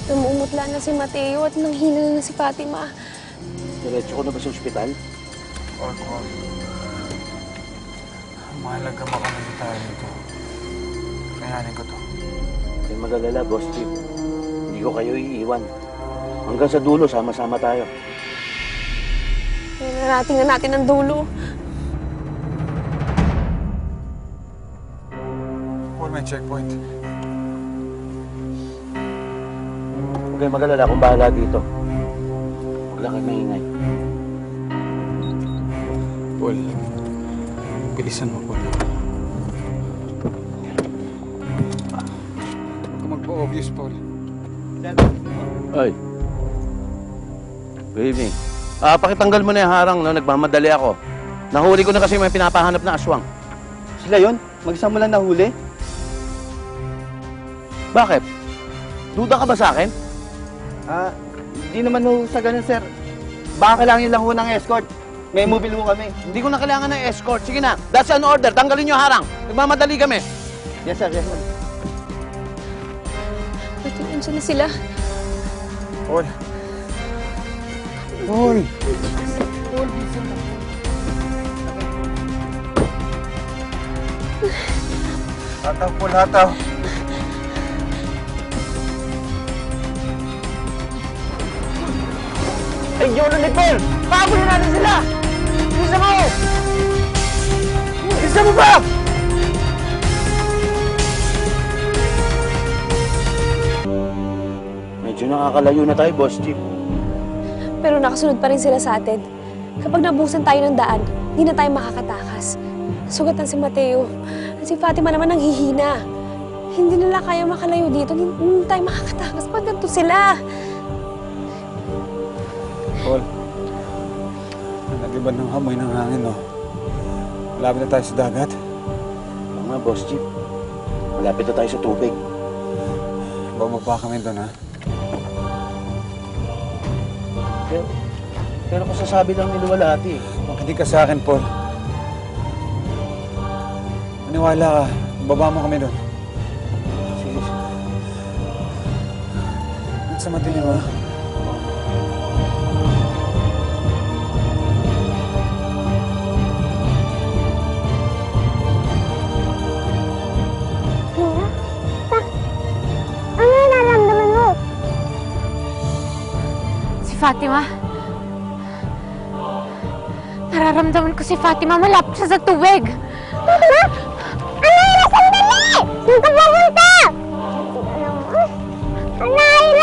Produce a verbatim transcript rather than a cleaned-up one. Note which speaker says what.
Speaker 1: Namumutla na si Mateo at nanghina na si Fatima.
Speaker 2: Diretso ko na ba sa ospital?
Speaker 3: Huwag, huwag. Mahalaga makamali tayo nito. Kayanin ko to.
Speaker 2: Huwag mag-alala, Boss Chief. Hindi ko kayo iiwan. Hanggang sa dulo, sama-sama tayo.
Speaker 1: Narating na natin ang dulo.
Speaker 3: Paul, may checkpoint.
Speaker 2: Huwag kayong mag-alala kung bahala dito. Huwag lang kayo maingay.
Speaker 3: Paul, bilisan mo, Paul. Huwag ka magpa-obvious, Paul.
Speaker 2: Ay. Good evening. Ah, pakitanggal mo na yung harang, no? Nagmamadali ako. Nahuli ko na kasi may pinapahanap na aswang.
Speaker 4: Sila yon? Mag-isa mo lang nahuli?
Speaker 2: Bakit? Duda ka ba sa akin?
Speaker 4: Ah, hindi naman ho sa ganun, sir. Baka kailangan nyo lang ho ng escort. May mobile ho kami.
Speaker 2: Hindi ko na kailangan ng escort. Sige na, that's an order. Tanggalin niyo harang. Nagmamadali kami.
Speaker 4: Yes, sir. Yes, sir.
Speaker 1: Pati nandiyan na sila.
Speaker 3: Paul. Paul! Hataw, Paul, hataw.
Speaker 2: Ay, yun ni Paul! Pahabulin natin sila! Isa mo! Isa mo ba? Medyo nakakalayo na tayo, Boss Chief.
Speaker 1: Pero nakasunod pa rin sila sa atin. Kapag nabusan tayo ng daan, hindi na tayo makakatakas. Sugatan si Mateo. At si Fatima naman ang hihina. Hindi nila kaya makalayo dito. Hindi, hindi tayo makakatakas pag ganito sila.
Speaker 3: Paul, nag-iba ng amoy ng hangin, no? Malapit na tayo sa dagat.
Speaker 2: Oo nga, Boss Chief. Malapit na tayo sa tubig.
Speaker 3: Bumaba kami doon, ha?
Speaker 2: Pero, pero kung sasabi lang niluwalhati eh.
Speaker 3: Makinig ka sa akin, Paul. Maniwala ka. Baba mo kami doon.
Speaker 2: Sige, sige.
Speaker 3: At sa madilim, ha?
Speaker 5: Ano nararamdaman mo?
Speaker 6: Si Fatima. Nararamdaman ko si Fatima. Malapit siya sa tubig.
Speaker 5: Fatima? Anay na sandali! Saan ka pupunta? Anay